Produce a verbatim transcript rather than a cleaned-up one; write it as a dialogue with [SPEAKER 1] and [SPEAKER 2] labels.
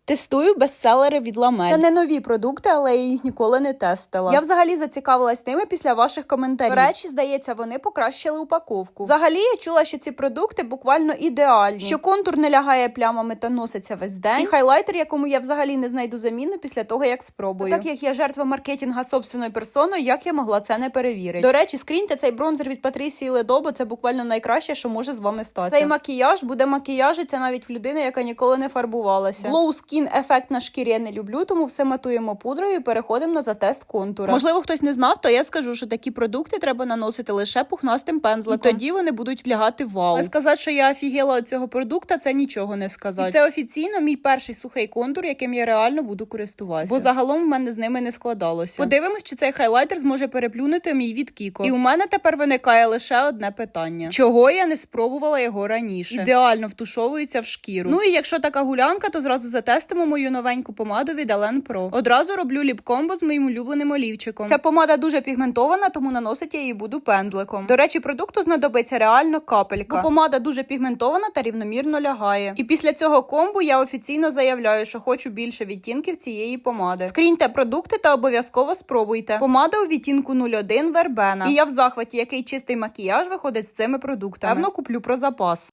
[SPEAKER 1] Тестую бестселери від Ламель. Це не нові продукти, але я їх ніколи не тестила. Я взагалі зацікавилась ними після ваших коментарів. До речі, здається, вони покращили упаковку. Взагалі, я чула, що ці продукти буквально ідеальні. Що контур не лягає плямами та носиться весь день. І хайлайтер, якому я взагалі не знайду заміну після того, як спробую. Та так як я жертва маркетинга собственною персоною, як я могла це не перевірити? До речі, скріньте цей бронзер від Патрісії Ледо, це буквально найкраще, що може з вами статися. Цей макіяж буде макіяжиться навіть в людини, яка ніколи не фарбувалася. Glow Skin ефект на шкірі я не люблю, тому все матуємо пудрою і переходимо на затест контура. Можливо, хтось не знав, то я скажу, що такі продукти треба наносити лише пухнастим пензликом. І тоді вони будуть лягати вау. Але сказати, що я офігела від цього продукту, це нічого не сказати. І це офіційно мій перший сухий контур, яким я реально буду користуватися. Бо загалом в мене з ними не складалося. Подивимось, чи цей хайлайтер зможе переплюнути мій від Кіко. І у мене тепер виникає лише одне питання. Чого я не спробувала його раніше? Ідеально втушовується в шкіру. Ну і якщо така гулянка, то зразу затестимо мою новеньку помаду від Елен Про. Одразу роблю ліп-комбо з моїм улюбленим олівчиком. Ця помада дуже пігментована, тому наносити я її буду пензликом. До речі, продукту знадобиться реально капелька. Бо помада дуже пігментована та рівномірно лягає. І після цього комбу я офіційно заявляю, що хочу більше відтінків цієї помади. Скріньте продукти та обов'язково спробуйте. Помада у відтінку нуль один Вербена. І я в захваті, який чистий макіяж виходить з цими продуктами. Певно, куплю про запас.